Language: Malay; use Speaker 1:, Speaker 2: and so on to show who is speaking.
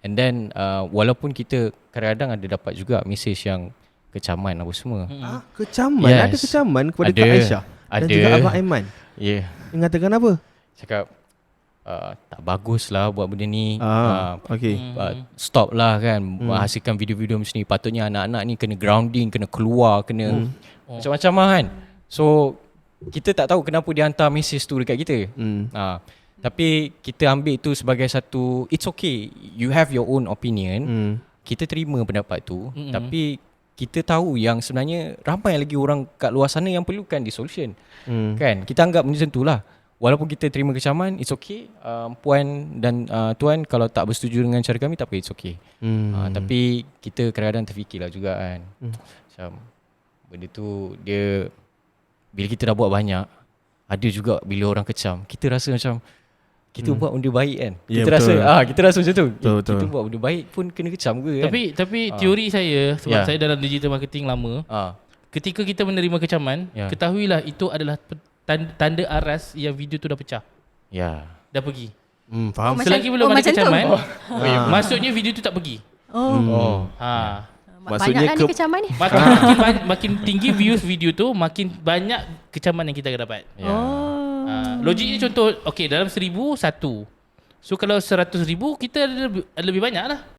Speaker 1: And then walaupun kita kadang-kadang ada dapat juga mesej yang kecaman apa semua.
Speaker 2: Kecaman?
Speaker 1: Yes.
Speaker 2: Ada kecaman kepada
Speaker 1: Ada.
Speaker 2: Kak Aisyah dan
Speaker 1: Ada.
Speaker 2: juga Abang Aiman?
Speaker 1: Ya.
Speaker 2: Mengatakan apa?
Speaker 1: Cakap tak bagus lah buat benda ni.
Speaker 2: Okay.
Speaker 1: Stop lah kan hasilkan video-video macam ni. Patutnya anak-anak ni kena grounding, kena keluar, kena macam-macam lah kan. So kita tak tahu kenapa dia hantar mesej tu dekat kita. Tapi kita ambil tu sebagai satu, it's okay, you have your own opinion. Kita terima pendapat tu. Tapi kita tahu yang sebenarnya ramai lagi orang kat luar sana yang perlukan the solution. Kan? Kita anggap macam tu lah. Walaupun kita terima kecaman, it's okay. Puan dan tuan kalau tak bersetuju dengan cara kami, tak apa, it's okay. Tapi kita kadang-kadang terfikirlah juga kan. Macam benda tu dia, bila kita dah buat banyak, ada juga bila orang kecam, kita rasa macam kita buat benda baik kan. Kita rasa kita rasa macam tu.
Speaker 2: Betul.
Speaker 1: Kita buat benda baik pun kena kecam ke kan.
Speaker 3: Tapi teori saya, sebab saya dalam digital marketing lama, ketika kita menerima kecaman, ketahuilah itu adalah tanda aras yang video tu dah pecah.
Speaker 1: Ya.
Speaker 3: Dah pergi.
Speaker 2: Faham.
Speaker 3: Selagi belum ada kecaman, maksudnya video tu tak pergi.
Speaker 2: Maksudnya
Speaker 4: banyaklah ni kecaman ni.
Speaker 3: Makin tinggi views video tu, makin banyak kecaman yang kita akan dapat. Logiknya contoh, okay, dalam 1,000 satu. So kalau 100,000 kita ada lebih banyak lah.